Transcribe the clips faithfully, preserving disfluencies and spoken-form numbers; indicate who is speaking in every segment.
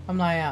Speaker 1: ทำไรอ่ะ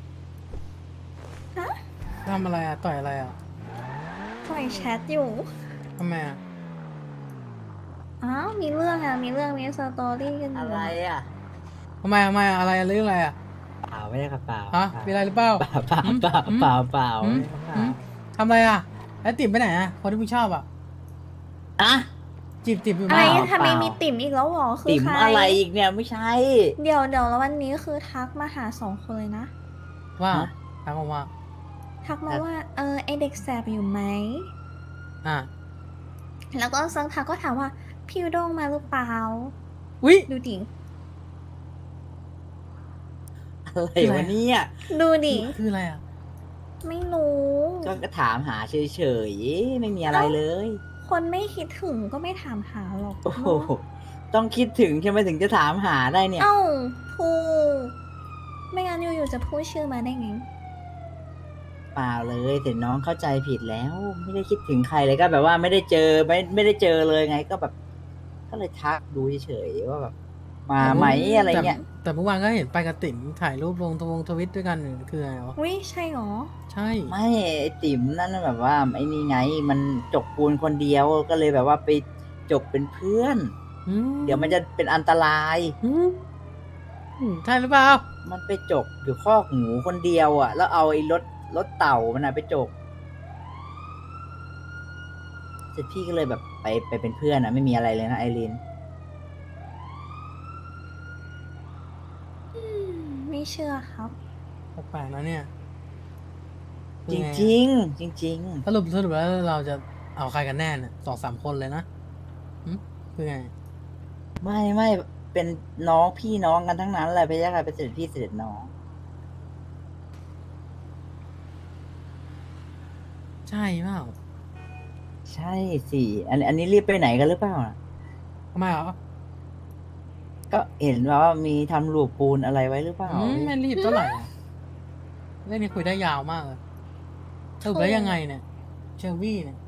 Speaker 2: ฮะ
Speaker 1: ทำอะไรอ่ะต่อยอะไรอ่ะ
Speaker 2: ปล่อยแชทอยู่
Speaker 1: ทำไมอ่ะ
Speaker 2: อ้าวมีเรื่องอ่ะมีเรื่องมีสตอรี่กันอ
Speaker 3: อะไร
Speaker 2: ยู่อ่ะ
Speaker 3: อ่ะ
Speaker 1: ทำไมทำไมอะอะไรเรื่องอะไรอ่ะ
Speaker 3: เปล่าไม่ได้ครับเปล่า
Speaker 1: ฮะ
Speaker 3: เปล่า
Speaker 1: มีอะไรหรือเปล่า
Speaker 3: เปล่าเปล่า
Speaker 1: หืม
Speaker 3: เปล่า
Speaker 1: หืม
Speaker 3: เปล่าเปล่า
Speaker 1: หืม
Speaker 3: ไม่ได้ครับเปล่า
Speaker 1: หืมทำอะไรอ่ะไอ้ติ๋มไปไหนอ่ะคนที่มึงชอบอ่ะ
Speaker 3: อะ
Speaker 1: จีบติ๋มอยู่
Speaker 2: อะไร
Speaker 1: ไหม
Speaker 3: เปล่า
Speaker 2: ทำไม
Speaker 3: เปล่า
Speaker 2: มีติ่มอีกแล้วหรอคือ
Speaker 3: ติ๋ม
Speaker 2: ใคร
Speaker 3: อะไรอีกเนี่ยไม่ใช่
Speaker 2: เดี๋ยวเดี๋ยวแล้ววันนี้คือทักมาหาสองคนเลยนะ
Speaker 1: ว่า
Speaker 3: ฮะ
Speaker 1: ถามผมว่า
Speaker 2: ทักมา
Speaker 3: แต่
Speaker 2: ว่าเออไอเด็กแสบอยู่ไหม
Speaker 1: อ่ะ
Speaker 2: แล้วก็สักพักก็ถามว่าพี่อุด้งมาหรือเปล่า
Speaker 1: อุ๊ย
Speaker 2: ดูดิ
Speaker 3: อะไร
Speaker 1: คืออะไรอ่ะ
Speaker 3: วะเนี่ย
Speaker 2: ดูดิ
Speaker 1: คือคืออะไรอ่ะ
Speaker 2: ไม่รู้
Speaker 3: ก็ถามหาเฉยๆไม่มีอะไร
Speaker 2: เอ้า
Speaker 3: เลย
Speaker 2: คนไม่คิดถึงก็ไม่ถามหาหรอก
Speaker 3: โอ้โห
Speaker 2: เนาะ
Speaker 3: ต้องคิดถึงใช่ไหมถึงจะถามหาได้เนี่ย
Speaker 2: เอ้าถูกไม่งั้นอยู่ๆจะพูดชื่อมาได้ไง
Speaker 3: เปล่าเลยแต่น้องเข้าใจผิดแล้วไม่ได้คิดถึงใครเลยก็แบบว่าไม่ได้เจอไม่ไม่ได้เจอเลยไงก็แบบก็เลยทักดูเฉยๆว่าแบบมา
Speaker 1: แต่เมื่อ
Speaker 3: ไหมอะไร
Speaker 1: แต่
Speaker 3: เงี้ย
Speaker 1: แต่เมื่อวานก็เห็นไปกับติ๋มถ่ายรูปลงทวงทวิตด้วยกันคืออะไรวะ
Speaker 2: วิใช่หรอ
Speaker 1: ใช่
Speaker 3: ไม่ไอติ๋มนั่นนะแบบว่าไอ้นี่ไงมันจกปูนคนเดียวก็เลยแบบว่าไปจกเป็นเพื่อน
Speaker 1: อื
Speaker 3: เดี๋ยวมัน
Speaker 1: ม
Speaker 3: จะเป็นอันตราย
Speaker 1: อืมอืมใช่หรือเปล่า
Speaker 3: มันไปจกอยู่คอกหมูคนเดียวอ่ะแล้วเอาไอ้รถรถเต่ามันอะไปจกเสร็จพี่ก็เลยแบบไปไปเป็นเพื่อนอ่ะไม่มีอะไรเลยนะไอรีน
Speaker 2: อืมไม่เชื่อครับ
Speaker 1: แปลกๆนะเนี่ยคื
Speaker 3: จ
Speaker 1: อไงอะ
Speaker 3: ริงๆจริง
Speaker 1: สรุปสรุปแล้วเราจะเอาใครกันแน่เนี่ยสองสามคนเลยนะหึคือไง
Speaker 3: ๆไม่ไม่เป็นน้องพี่น้องกันทั้งนั้นแหละไปยะค่ะเป็นเสด็จพี่เสด็จน้อง
Speaker 1: ใช่เปล่า
Speaker 3: ใช่สิอันอันนี้รีบไปไหนกันหรือเปล่าน่ะ
Speaker 1: ทำไมเหรอ
Speaker 3: ก็เห็นว่ามีทำหลูปปูนอะไรไว้หรือเปล่า
Speaker 1: อืมไม่รีบเท่าไหร่อะเรื่องนี้คุยได้ยาวมากเลยสรุป
Speaker 2: ถู
Speaker 1: แล้วยังไง
Speaker 2: ก
Speaker 1: เนี่ยเชอร์วี่เนี่ย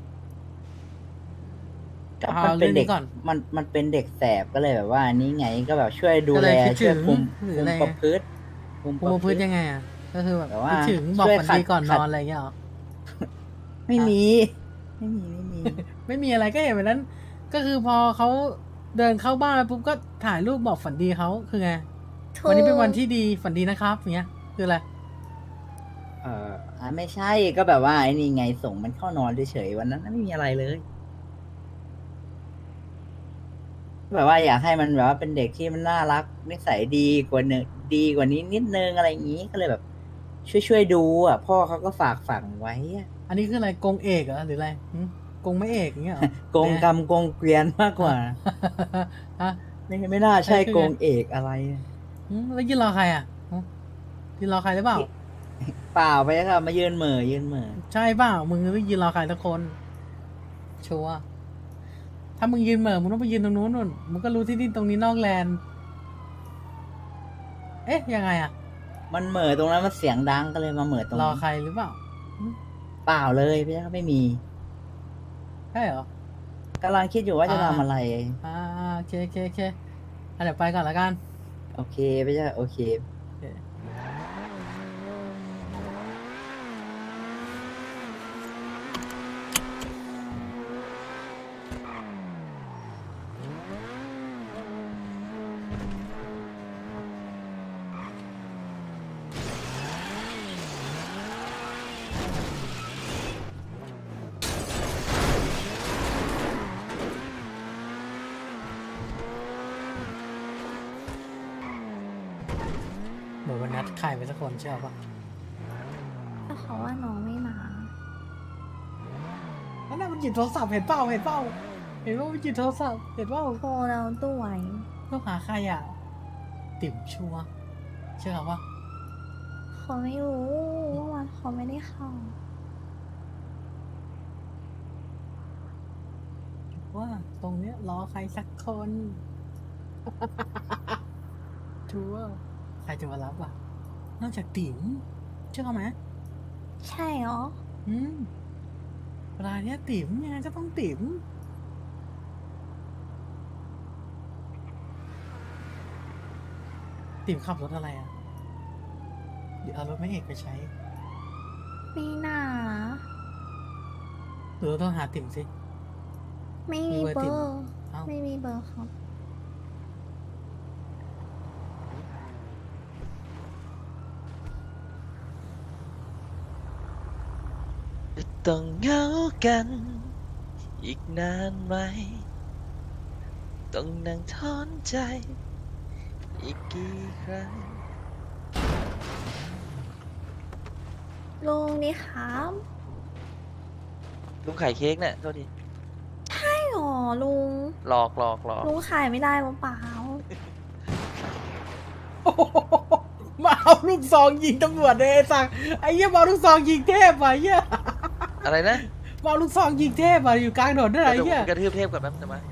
Speaker 3: ก็
Speaker 1: เอา
Speaker 3: มันเป็นเด็ก
Speaker 1: เรื่องนี้ก่อน
Speaker 3: มันมันเป็นเด็กแสบก็เลยแบบว่านี่ไงก็แบบช่วยดู
Speaker 1: ก็เล
Speaker 3: แล
Speaker 1: ยคิดถึง
Speaker 3: ช่วยคุมคุม
Speaker 1: หรืออะไร
Speaker 3: ประพฤติคุม
Speaker 1: ภู
Speaker 3: ประพฤติ
Speaker 1: มิพื้นยังไงอ่ะก็คือแบบ
Speaker 3: แบบว่า
Speaker 1: คิดถึงบอกฝัน
Speaker 3: ช่วยขัด
Speaker 1: ดีก่อนน
Speaker 3: ขัด
Speaker 1: อนอะไรอย่างเงี้ยเหรอ
Speaker 3: ไม่
Speaker 1: ฮะ
Speaker 3: มีไม่มีไม่มี
Speaker 1: ไม่มีอะไรก็เห็นแบบนั้นก็คือพอเขาเดินเข้าบ้านไปปุ๊บก็ถ่ายรูปบอกฝันดีเขาคือไง
Speaker 2: ถู
Speaker 1: วันนี้เป็นวัน
Speaker 2: ก
Speaker 1: ที่ดีฝันดีนะครับอย่างเงี้ยคืออะไร
Speaker 3: เอออ่ะไม่ใช่ก็แบบว่าไอ้นี่ไงส่งมันเข้านอนเฉยๆวันนั้นไม่มีอะไรเลยแบบว่าอยากให้มันแบบว่าเป็นเด็กที่มันน่ารักนิสัยดีกว่าเนงดีกว่านี้นิดนึงอะไรอย่างนี้ก็เลยแบบช่วยช่วยดูอ่ะพ่อเขาก็ฝากฝังไว้อะ
Speaker 1: อันนี้คืออะไรกงเอกเหรอหรืออะไรหึกงไม่เอกอย่างเงี้ยเหรอ
Speaker 3: กงกรรมกงเกวียนมากกว่า
Speaker 1: ฮะ
Speaker 3: ไม่ไม่น่าใช่
Speaker 1: อันนี้คือไง
Speaker 3: โกงเอกอะไร
Speaker 1: หึแล้วยืนรอใครอ่ะหึยืนรอใครหรือเปล่า
Speaker 3: เปล่าไปครับมายืนเหม่อยืนเหม่อ
Speaker 1: ใช่เปล่ามึงไม่ยืนรอใครสักคนชัวร์ถ้ามึงยืนเหม่อมึงต้องไปยืนตรงนู้นนู่นมึงก็รู้ที่นี่ตรงนี้นอกแลนด์เอ๊ะยังไงอ่ะ
Speaker 3: มันเหม่อตรงนั้นมันเสียงดังก็เลยมาเหม่อตรง
Speaker 1: รอ
Speaker 3: นี้
Speaker 1: ใครหรือเปล่าหึ
Speaker 3: เปล่าเลยพี่ครับไม่มี
Speaker 1: ใช่เหรอ
Speaker 3: กำลังคิดอยู่ว่าจะ
Speaker 1: อ่า
Speaker 3: ทำอะไร
Speaker 1: อ่าโอเคโอเคโอเคอ่ะเดี๋ยวไปก่อนละกัน
Speaker 3: โอเคพี่ครับโอเค
Speaker 1: โอเคเหมือนวันนัดใครไปสักคนเชื่อป่ะ
Speaker 2: แต่เขาว่าน้องไม่มา
Speaker 1: นั่นน่ะมันหยิบโทรศัพท์เห็นเปล่าเห็นเปล่าเห็นว่ามันหยิบโทรศัพท์เห็นเปล่า
Speaker 2: โทรเราตัวไหว
Speaker 1: ต้องหาใครอ่ะติ๋มชัวร์เชื่อป่ะ
Speaker 2: เขาไม่รู้ว่าวันเขาไม่ได้เข้า
Speaker 1: ว่าตรงเนี้ยรอใครสักคน ชัวร์ใครจะมารับอ่ะนอกจากติ๋มเชื่อไหม
Speaker 2: ใช่เหรอ
Speaker 1: อืมเวลาเนี้ยติ๋มยังไงก็ต้องติ๋มติ๋มขับรถอะไรอ่ะเดี๋ยวเอารถแม่เอกไปใช้
Speaker 2: ไม่น่า
Speaker 1: หรือเราต้องหาติ่มสิ
Speaker 2: ไม่
Speaker 1: มี
Speaker 2: มี
Speaker 1: เบอร์
Speaker 2: เบ
Speaker 1: ติ
Speaker 2: อ
Speaker 1: ด
Speaker 2: ร์
Speaker 1: เอ้า
Speaker 2: ไม่มีเบอร์ครับ
Speaker 4: ต้องเหงากัน อีกนานไหม ต้องนั่งทอนใจ อีกกี่ครั้ง
Speaker 2: ลุงนี่ครับ
Speaker 4: ลุงขายเค้กเนี่ยโทษที
Speaker 2: ใช่หรอลุง
Speaker 4: หลอกหลอกหลอก
Speaker 2: ลุงขายไม่ได้หรือเปล่า
Speaker 1: โอ้โหมาเอาลูกซองยิงตำรวจเลยไอ้สังไอ้เหี้ยมาเอาลูกซองยิงเทพว่ะไอ้เหี้ย
Speaker 4: อะไรนะ
Speaker 1: มาเอาลูกซองยิงเทพว่ะอยู่กลางถนนด้วยไอ้เหี้ย
Speaker 4: กระทืบเทพก่อนแป๊บจะมา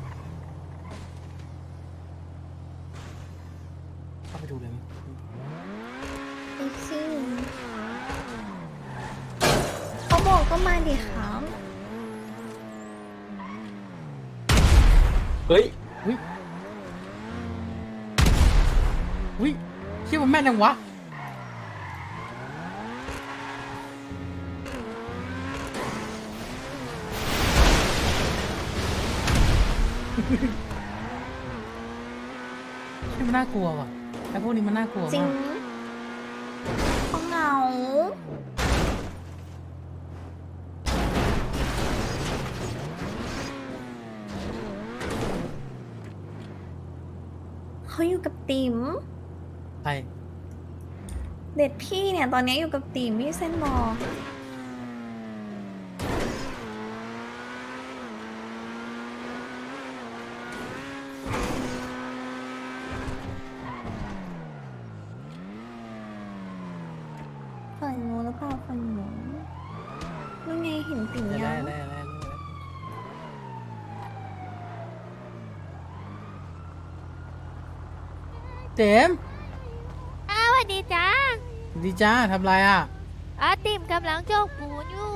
Speaker 1: เข้าไปดูเลยมั้ย
Speaker 2: ไอซี่เขาบอกก็มาดิครับ
Speaker 3: เฮ้ย
Speaker 1: อุ้ยอุ้ยเชี่ยมันแม่นจังวะ นี่มันน่ากลัวว่ะไอ้พวกนี้มันน่ากลัว
Speaker 2: จริง
Speaker 1: มาก
Speaker 2: เขาเหงาเขาอยู่กับติ๋ม
Speaker 1: ใช่
Speaker 2: เด็ดพี่เนี่ยตอนนี้อยู่กับติ๋มพี่เส้นบอกฝั่งหนูหรือเปล่าฝั่งหนูนี่ไงเห็นติ๋ม
Speaker 1: แล่
Speaker 2: ยัง
Speaker 1: แล่แล่เต็ม
Speaker 5: อ้าวสวัสดีจ้า
Speaker 1: ดีจ้าทำไรอ่ะ
Speaker 5: อาติมกำลังโจกปูนอยู่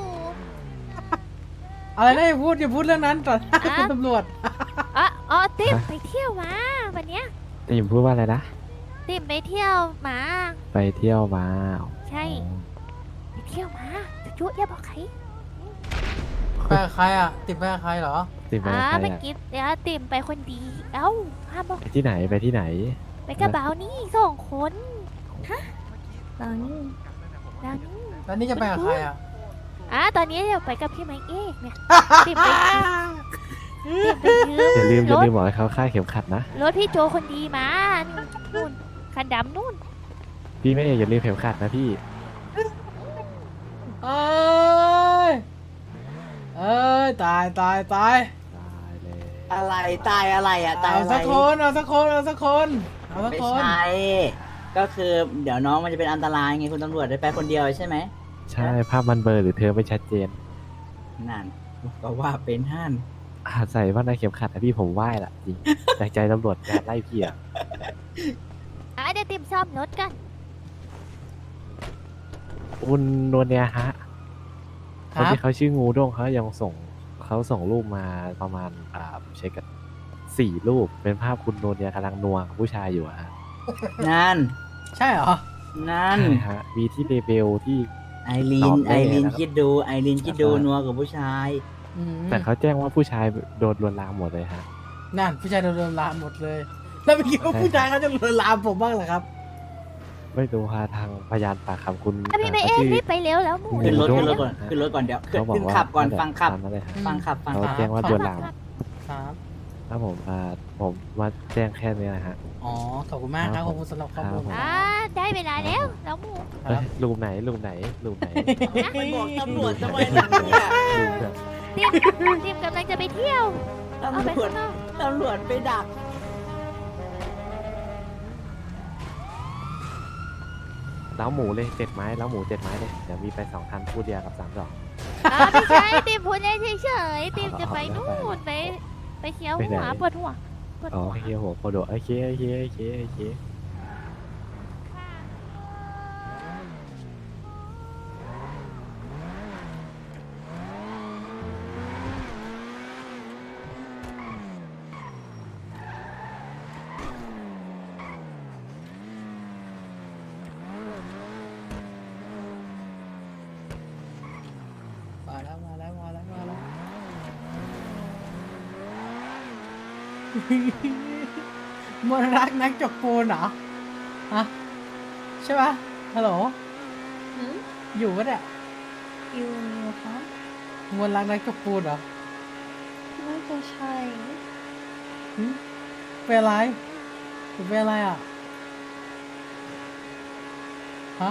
Speaker 1: อะไรนะอย่าพูดอย่าพูดเรื่องนั้นต่อหน้า
Speaker 5: อ่ะ
Speaker 1: คุณตำรวจ
Speaker 5: อ๋ออ๋อติมไปเที่ยวมาวันเนี้ย
Speaker 6: ติมพูดว่าอะไรนะ
Speaker 5: ติมไปเที่ยวมา
Speaker 6: ไปเที่ยวมา
Speaker 5: ใช่ ไปเที่ยวมาจะจุ๊อย่าบอกใคร
Speaker 1: ไปกับใครอ่ะ ติดไปกับใครเหรอ
Speaker 6: ติมไป
Speaker 5: อ่า
Speaker 6: กับใคร
Speaker 5: เมื่อ
Speaker 6: อะ
Speaker 5: กี้เดี๋ยวติมไปคนดี เอ้าห้ามบอก
Speaker 6: ไปที่ไหนไปที่ไหน
Speaker 5: ไปกระเป๋านี่สองคน
Speaker 2: ตอนนี้
Speaker 5: แล้วนี่
Speaker 1: แล้วนี่จะไปกับใครอ่ะ
Speaker 5: อ่าตอนนี้เดี๋ยวไปกับพี่ไมค์เอกเนี่ยติมไปติมไปยืม
Speaker 6: อย่าลืมอย่าร
Speaker 5: ถ
Speaker 6: ลืมบอกให้เขาค่าดเข็มขัดนะ
Speaker 5: รถพี่โจคนดีมานู่นคันดำนู่น
Speaker 6: พี่ไม่เอกอย่าลืมเข็มขัดนะพี่
Speaker 1: เอ้ย เอ้ย ตายตายตาย
Speaker 6: ตายเลย
Speaker 3: อะไรตายอะไรอ่ะตาย
Speaker 1: เอา
Speaker 3: อะไร
Speaker 1: สักคนเอาสักคนเอาสักคนเอาสัก
Speaker 3: ไม่
Speaker 1: คน
Speaker 3: ใช่ ก็คือเดี๋ยวน้องมันจะเป็นอันตรายไงคุณตำรวจได้ไปคนเดียวใช่ไหม
Speaker 6: ใช่ภาพมันเบลอหรือเธอไม่ชัดเจน
Speaker 3: นั่นก็ว่าเป็นห้าน
Speaker 6: อาใส่ว่าในเข็มขัดนะพี่ผมไหว้ละจริงจากใจตำรวจการไล่พี่อะ
Speaker 5: อ่าเดี๋ยวติมซ่อมรถกัน
Speaker 6: คุณนวลเนี่ยฮะ
Speaker 1: ค
Speaker 6: คน
Speaker 1: รับ
Speaker 6: ที่เขาชื่องูด้งเขายังส่งเขาส่งรูปมาประมาณอ่าเช็คกันสี่รูปเป็นภาพคุณนวลเนี่ยกำลังนัวกับผู้ชายอยู่อะฮะ
Speaker 3: นั่น
Speaker 1: ใช่เหรอ
Speaker 3: นั่น
Speaker 6: ใช่ฮะมีที่เลเบลที่
Speaker 3: ไอรี
Speaker 6: ต
Speaker 3: น
Speaker 6: อบ
Speaker 3: ไอ
Speaker 6: ได้
Speaker 3: รีน
Speaker 6: นะครับ
Speaker 3: คิดดูไอรีนคิดดู
Speaker 6: ใช่
Speaker 3: นัวกับผู้ชาย
Speaker 1: อืม
Speaker 6: แต่เขาแจ้งว่าผู้ชายโดนลวนลามหมดเลยฮะ
Speaker 1: นั่นผู้ชายโดนลวนลามหมดเลย แล้วไม่คิดว่า
Speaker 6: ใช่
Speaker 1: ผู้ชายเขาจะลวนลามผมบ้างเหรอครับ
Speaker 6: ไม่รู้ฮะทางพยานปากคำคุณ
Speaker 5: อ่ะพี่ไมค์เอก
Speaker 6: ชื่อ
Speaker 5: รีบไปเร็วแล้วหมู
Speaker 3: ขึ้นรถ
Speaker 6: โด
Speaker 3: ขึ้นรถ
Speaker 6: โด
Speaker 3: ก่อนขึ้นรถก่อนเดี๋ยวขึ้น
Speaker 6: เขาบอก
Speaker 3: ขึ้น
Speaker 6: ว่า
Speaker 3: ขับก่อน
Speaker 6: นั่นแหละ
Speaker 3: ฟังขับ
Speaker 6: ตามนั้นเลยฮะ
Speaker 3: ฟังขับฟัง
Speaker 6: เขา
Speaker 3: ขับ
Speaker 6: แจ้งว่าโดนลาม
Speaker 1: ครับ
Speaker 6: ครับผมอ่าผมมาแจ้งแค่นี้นะฮะ
Speaker 1: อ๋อ ขอบคุณมากครับ ขอบคุณสำหรับข้อมูล
Speaker 6: ครับ
Speaker 5: อ่าได้เวลาแล้วแล้วหมู
Speaker 1: ค
Speaker 6: เอ้
Speaker 1: รั
Speaker 6: ย
Speaker 1: บ
Speaker 6: รูมไหนรูมไหนรูมไหน
Speaker 3: ไปบอกตำรวจทำไมล่ะเนี่ย
Speaker 6: รูมแบบ
Speaker 5: ติมติมกำลังจะไปเที่ยวเอา
Speaker 3: ตำ
Speaker 5: ไป
Speaker 3: รวจ
Speaker 5: ข้างนอก
Speaker 3: ตำรวจไปดัก
Speaker 6: เล้าหมูเลยเจ็ดไม้เล้าหมูเจ็ดไม้เลยเดี๋ยวมีไปสองคันพูดเดียวกับสามดอก
Speaker 5: อ่าไม่ใช่ติมพูดเล่นเฉยๆติมจะไปนู่นไปไปเคี้ยว
Speaker 6: ไปไหน
Speaker 5: หัวปวดหัวปวด
Speaker 6: อ๋อ
Speaker 5: หัว
Speaker 6: โอเคหัวโคโดะโอเคโอเคโอเคโอเค
Speaker 1: มนรักนักจกปูนเหรอฮะใช่ปะฮัลโหล
Speaker 2: หืม
Speaker 1: อยู่ปะเนี่ย
Speaker 2: อยู่อยู่ครับ
Speaker 1: มนรักนักจกปูนเหรอ
Speaker 2: น่าจะใช่
Speaker 1: หึเป็นอะไรหรือเป็นอะไรอ่ะฮะ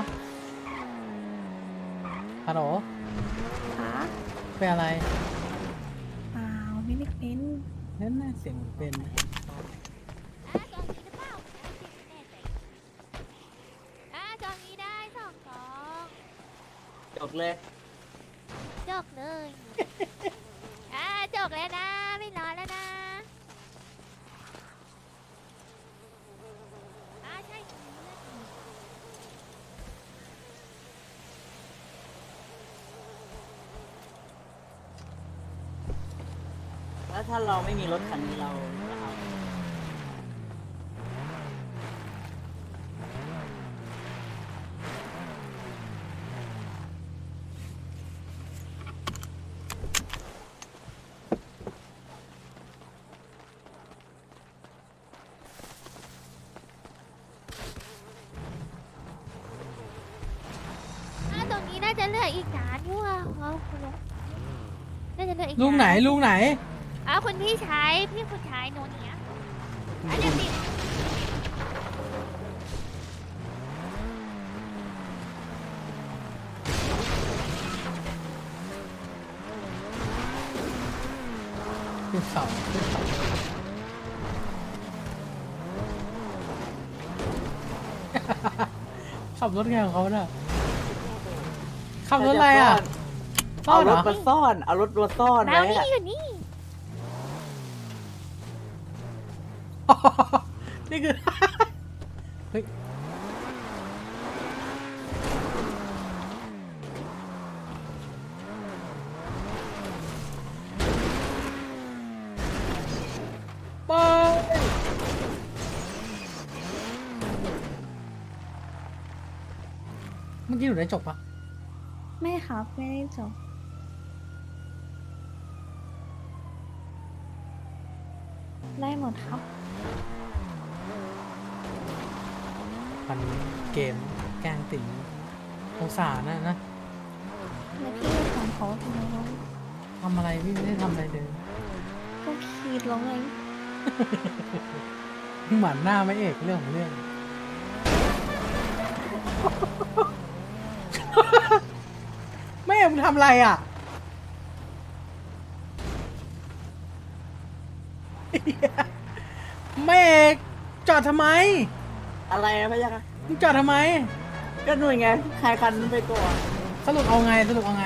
Speaker 1: ฮัลโหล
Speaker 2: คะ
Speaker 1: เป็นอะไร
Speaker 2: เปล่าไม่ได้เป็น
Speaker 1: นั่นน่ะเสียงเหมือนเป็น
Speaker 5: อ่ะกล่องนี้หรือเปล่าแน่ใจอ่ะกล่องนี้ได้สองกล่อง
Speaker 3: จบเลย
Speaker 5: จกเลยอ่ะจกแล้วนะไม่รอแล้วนะอ่ะใช่
Speaker 3: แล้วถ้าเราไม่มีรถคันนี้เราจะเอา
Speaker 5: อ่ะตรงนี้น่าจะเหลืออีกนานอยู่อ่ะเอาคุณลุงน่าจะเหลืออีก
Speaker 1: ลุงไหน
Speaker 5: า
Speaker 1: ลุงไหน
Speaker 5: อ่ะคุณพี่ชายพี่คุณชายโนเนียอ่ะเดี๋ยวติด
Speaker 1: ขึ้นเขาขึ้นเขาขับรถไงของเขาน่ะขับรถอะไรอ่ะซ่อ
Speaker 3: เอา
Speaker 1: นเห
Speaker 3: ร
Speaker 1: ร
Speaker 3: ถ
Speaker 1: อ
Speaker 3: มาซ่อน เอารถมาซ่อน
Speaker 5: แมว
Speaker 3: ไว้
Speaker 5: นี่
Speaker 3: อะ
Speaker 5: อยู่นี่
Speaker 1: นี่คือ เฮ้ยไปเมื่อกี้หนูได้จบปะ
Speaker 2: ไม่ครับไม่ได้จบได้หมดครับ
Speaker 1: พันเกมแกล้งติ๋งสงสารนะนะ
Speaker 2: แล้วพี่ทำเขาทำไมวะ
Speaker 1: ทำอะไรพี่ไม่ได้ทำอะไรเลย
Speaker 2: ก็คีดร้องไง
Speaker 1: หมันหน้าไม่เอกเรื่องของเรื่อง แม่มึงทำอะไรอ่ะ แม่เอกจอดทำไม
Speaker 3: อะไรนะพะยะคะ
Speaker 1: มึงจอดทำไม
Speaker 3: ก็หน่วยไงใครคันไปก่อน
Speaker 1: สรุปเอาไงสรุปเอาไง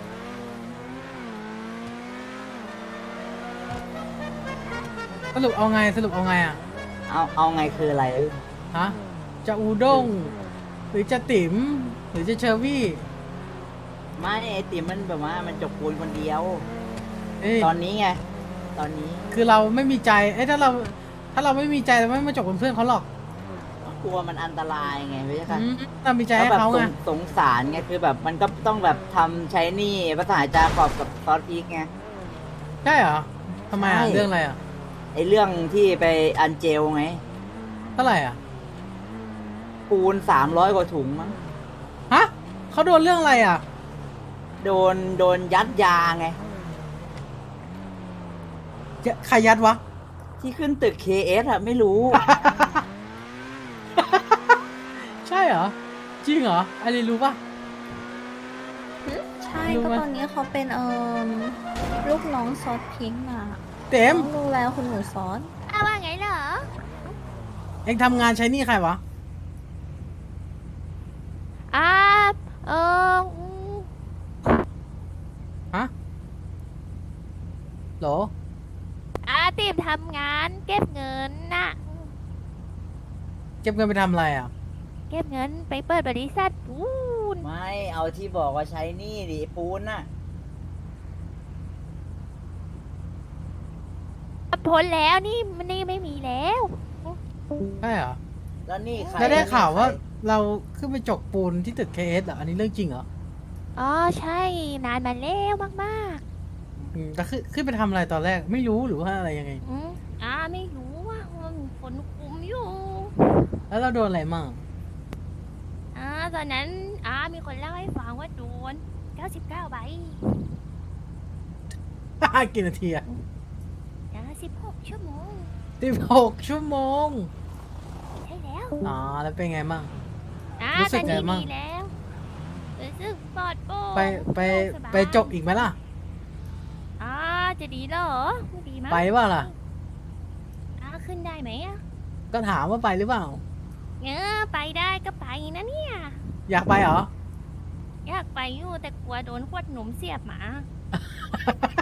Speaker 1: สรุปเอาไงสรุปเอาไงอ่ะ
Speaker 3: เอาเอาไงคืออะไร
Speaker 1: ฮะ จะอูด้ง หรือจะติ๋ม หรือจะเชอร์วี่
Speaker 3: ไม่ไอติมมันแบบว่ามันจกปูนคนเดียว
Speaker 1: เอ้ย
Speaker 3: ตอนนี้ไง ตอนนี้
Speaker 1: คือเราไม่มีใจ เอ้ยถ้าเรา ถ้าเราไม่มีใจเราไม่มาจบเป็นเพื่อนเขาหรอก
Speaker 3: กลัวมันอันตรายไงพะยะคะ
Speaker 1: อืมเรามีใจ
Speaker 3: แล้ว
Speaker 1: ให้
Speaker 3: แบบ
Speaker 1: เขา
Speaker 3: ส
Speaker 1: ไง
Speaker 3: งสงสารไงคือแบบมันก็ต้องแบบทำใช้หนี่ภาษาจาขอบกับซอสพริกไง
Speaker 1: ใช่เหรอทำไมอ่ะ
Speaker 3: ใช่
Speaker 1: เรื่องอะไรอ่ะ
Speaker 3: ไอเรื่องที่ไปอันเจลไง
Speaker 1: เท่าไหร่อ่ะ
Speaker 3: ปูนสามร้อยกว่าถุงมั้ง
Speaker 1: ฮะเขาโดนเรื่องอะไรอ่ะ
Speaker 3: โดนโดนยัดยาไง
Speaker 1: ใครยัดวะ
Speaker 3: ที่ขึ้นตึก เค เอส อะไม่รู้
Speaker 1: ใช่เหรอ จริงเหรอไอรีรู้ปะ
Speaker 2: ใช่
Speaker 1: รู้
Speaker 2: ก็
Speaker 1: ไหม
Speaker 2: ตอนนี้เขาเป็นเอ่อลูกน้องซอสพิงค์น่ะ
Speaker 1: เต็ม
Speaker 2: น้องดูแลคุณหนูซอส
Speaker 5: อ้าวว่าไงเหรอ
Speaker 1: เอ็งทำงานใช้หนี่ใครวะ
Speaker 5: อ่าเอออืม
Speaker 1: ฮะโหล
Speaker 5: อ่าติมทำงานเก็บเงินน่ะ
Speaker 1: เก็บเงินไปทำอะไรอ่ะ
Speaker 5: เก็บเงินไปเปิดบริษัทปูน
Speaker 3: ไม่เอาที่บอกว่าใช้หนี่ดิปูนน่ะ
Speaker 5: พ้นแล้วนี่มันนี่ไม่มีแล้ว
Speaker 1: ใช่เหรอ
Speaker 3: แล้วนี่ใคร
Speaker 1: แล้วได้ข่าวว่า
Speaker 3: ใคร
Speaker 1: เราขึ้นไปจกปูนที่ตึกเคเอสเหรอ อันนี้เรื่องจริงเหรอ
Speaker 5: อ๋อใช่นานมาแล้วมาก
Speaker 1: อืมแต่ขึ้นขึ้นไปทำอะไรตอนแรก ไม่รู้หรือว่าอะไรยังไง
Speaker 5: ๆอืมอาไม่รู้ว่ามันมีคนคุมอยู่
Speaker 1: แล้วเราโดนอะไรมั่ง
Speaker 5: อ่าตอนนั้นอามีคนเล่าให้ฟังว่าโดนเก้าสิบเก้าใบ
Speaker 1: กี่นาทีอะ
Speaker 5: นะสิบหกชั่วโมง
Speaker 1: สิบหกชั่วโมง
Speaker 5: ใช่แล้ว
Speaker 1: อ๋อ แล้วเป็นไงมั่ง
Speaker 5: อ่า
Speaker 1: รู้สึ
Speaker 5: ต
Speaker 1: ก
Speaker 5: อน
Speaker 1: ไง
Speaker 5: นี้
Speaker 1: มั่ง
Speaker 5: ดีแล้วรู้สึกปลอดโปร่ง
Speaker 1: ไปไป
Speaker 5: โล่งสบาย
Speaker 1: ไปจบอีกไหมล่ะ
Speaker 5: อ่าจะดีเหรอไม่ดีมั้ง
Speaker 1: ไปว่าล่ะ
Speaker 5: อ่าขึ้นได้ไหมอ่ะ
Speaker 1: ก็ถามว่าไปหรือเปล่า
Speaker 5: เออไปได้ก็ไปนะเนี่ย
Speaker 1: อยากไปเหรอ
Speaker 5: อยากไปอยู่แต่กลัวโดนขวดหนมเสียบหมา